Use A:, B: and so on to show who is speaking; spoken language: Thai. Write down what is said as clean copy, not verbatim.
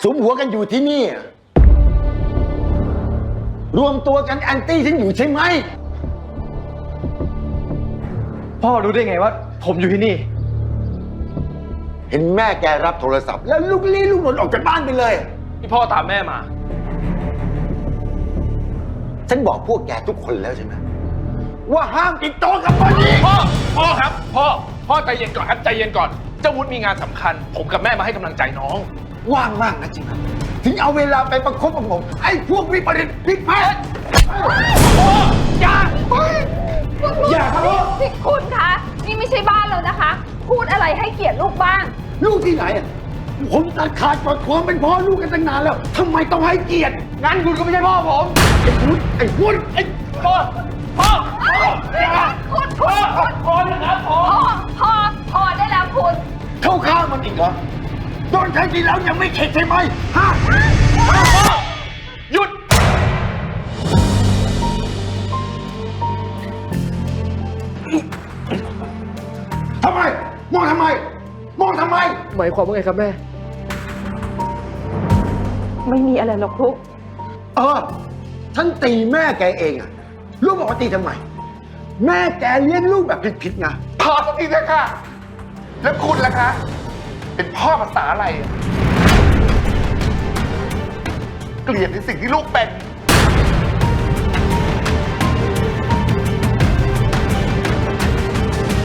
A: สมหัวกันอยู่ที่นี่อะรวมตัวกันแอนตี้ฉันอยู่ใช่ไหม
B: พ่อรู้ได้ไงว่าผมอยู่ที่นี่
A: เห็นแม่แกรับโทรศัพท์แล้วลูกลี้ลูกหลนออกจากบ้านไปเลย
B: ที่พ่อตามแม่มา
A: ฉันบอกพวกแกทุกคนแล้วใช่ไหมว่าห้ามติดต่อกับคนนี้
C: พ่อครับพ่อใจเย็นก่อนครับใจเย็นก่อนเจ้าวุฒิมีงานสำคัญ ผมกับแม่มาให้กำลังใจน้อง
A: ว่างมากนะจริงไหมถึงเอาเวลาไปประคบประหงมไอ้พวกวิปริตพิษแพทย์อย่าอย่าครับ
D: นี่คุณคะ นี่ไม่ใช่บ้านแล้วนะคะ พูดอะไรให้เกียรติลูกบ้าง
A: ลูกที่ไหนอะผมตัดขาดกดความเป็นพ่อลูกกันตั้งนานแล้วทำไมต้องให้เกียรติ
B: งั้นคุณก็ไม่ใช่พ่อผม
A: ไอ้วุฒิไอ้
B: พ่อพ่อ
D: คุณ
B: พ่อนะครับพ่อ
D: พอได้แล้วคุณ
A: เข้าข้างมันอีกเหรอโดนใช้ทีแล้วยังไม่เข็ดใช่ไหมฮะ
C: หยุด
A: ทำไมมองทำไมมองทำไม
B: หมายความว่าไงครับแม่
D: ไม่มีอะไรหรอกลูก
A: ฉันตีแม่แกเองอะลูกบอกว่าตีทำไม แม่แกเลี้ยงลูกแบบผิดๆไง
C: พอสักทีเถอะค่ะ แล้วคุณล่ะคะ เป็นพ่อภาษาอะไร เกลียดในสิ่งที่ลูกเป็น